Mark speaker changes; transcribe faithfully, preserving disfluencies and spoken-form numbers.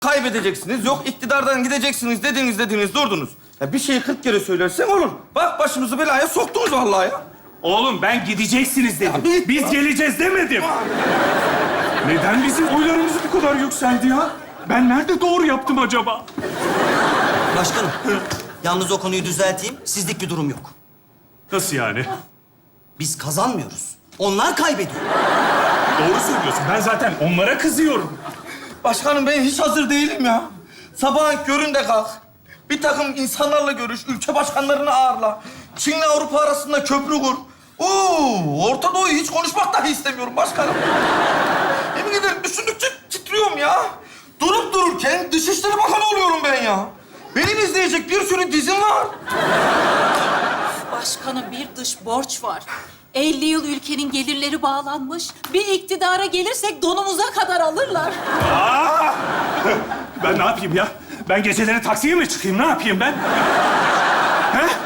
Speaker 1: kaybedeceksiniz, yok iktidardan gideceksiniz dediniz dediniz durdunuz. Ya bir şeyi kırk kere söylersen olur. Bak başımızı belaya soktunuz vallahi ya.
Speaker 2: Oğlum ben gideceksiniz dedim.
Speaker 1: Ya bir-
Speaker 2: Biz geleceğiz demedim. Neden bizim oylarımız bu kadar yükseldi ya? Ben nerede doğru yaptım acaba?
Speaker 3: Başkanım, yalnız o konuyu düzelteyim. Sizlik bir durum yok.
Speaker 2: Nasıl yani?
Speaker 3: Biz kazanmıyoruz. Onlar kaybediyor.
Speaker 2: Doğru söylüyorsun. Ben zaten onlara kızıyorum.
Speaker 1: Başkanım ben hiç hazır değilim ya. Sabahın köründe kalk. Bir takım insanlarla görüş, ülke başkanlarını ağırla. Çin'le Avrupa arasında köprü kur. Oo, Orta Doğu'yu hiç konuşmak dahi istemiyorum başkanım. Yemin ederim düşündükçe titriyorum ya. Durup dururken Dışişleri Bakanı oluyorum ben ya. Benim izleyecek bir sürü dizim var.
Speaker 4: Başkanım bir dış borç var. elli yıl ülkenin gelirleri bağlanmış. Bir iktidara gelirsek donumuza kadar alırlar.
Speaker 2: Aa! Ben ne yapayım ya? Ben geceleri taksiye mi çıkayım? Ne yapayım ben? He?